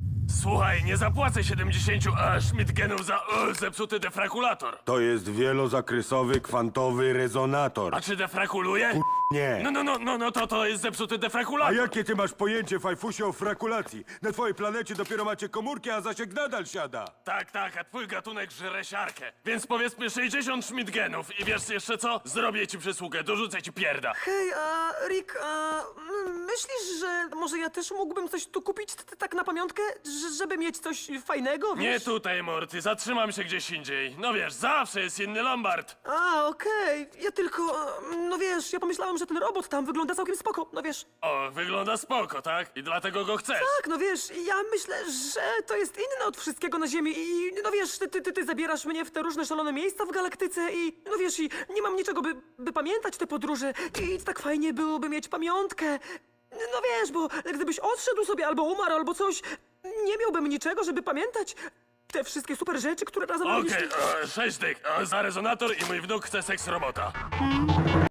Słuchaj, nie zapłacę 70 Schmidt-genów za zepsuty defrakulator. To jest wielozakresowy kwantowy rezonator. A czy defrakuluje? Nie. No to jest zepsuty A defrakulator. jakie ty masz pojęcie, fajfusie, o frakulacji? Na twojej planecie dopiero macie komórki, a zasięg nadal siada. Tak, a twój gatunek żre siarkę. Więc powiedzmy 60 Schmidt-genów i wiesz jeszcze co? Zrobię ci przysługę, dorzucę ci pierda. Hej, Rick, myślisz, że może ja też mógłbym coś tu kupić tak na pamiątkę, żeby mieć coś fajnego, Nie wiesz? tutaj, Morty, zatrzymam się gdzieś indziej. No wiesz, zawsze jest inny Lombard. Okej. Ja tylko, no wiesz, ja pomyślałem, że ten robot tam wygląda całkiem spoko, no wiesz. O, wygląda spoko, tak? I dlatego go chcesz. Tak, no wiesz, ja myślę, że to jest inne od wszystkiego na Ziemi i no wiesz, ty zabierasz mnie w te różne szalone miejsca w galaktyce i no wiesz, i nie mam niczego, by pamiętać te podróże i tak fajnie byłoby mieć pamiątkę. No wiesz, bo gdybyś odszedł sobie albo umarł, albo coś, nie miałbym niczego, żeby pamiętać te wszystkie super rzeczy, które razem Okej, robiliśmy. 6 dych za rezonator i mój wnuk chce seks robota.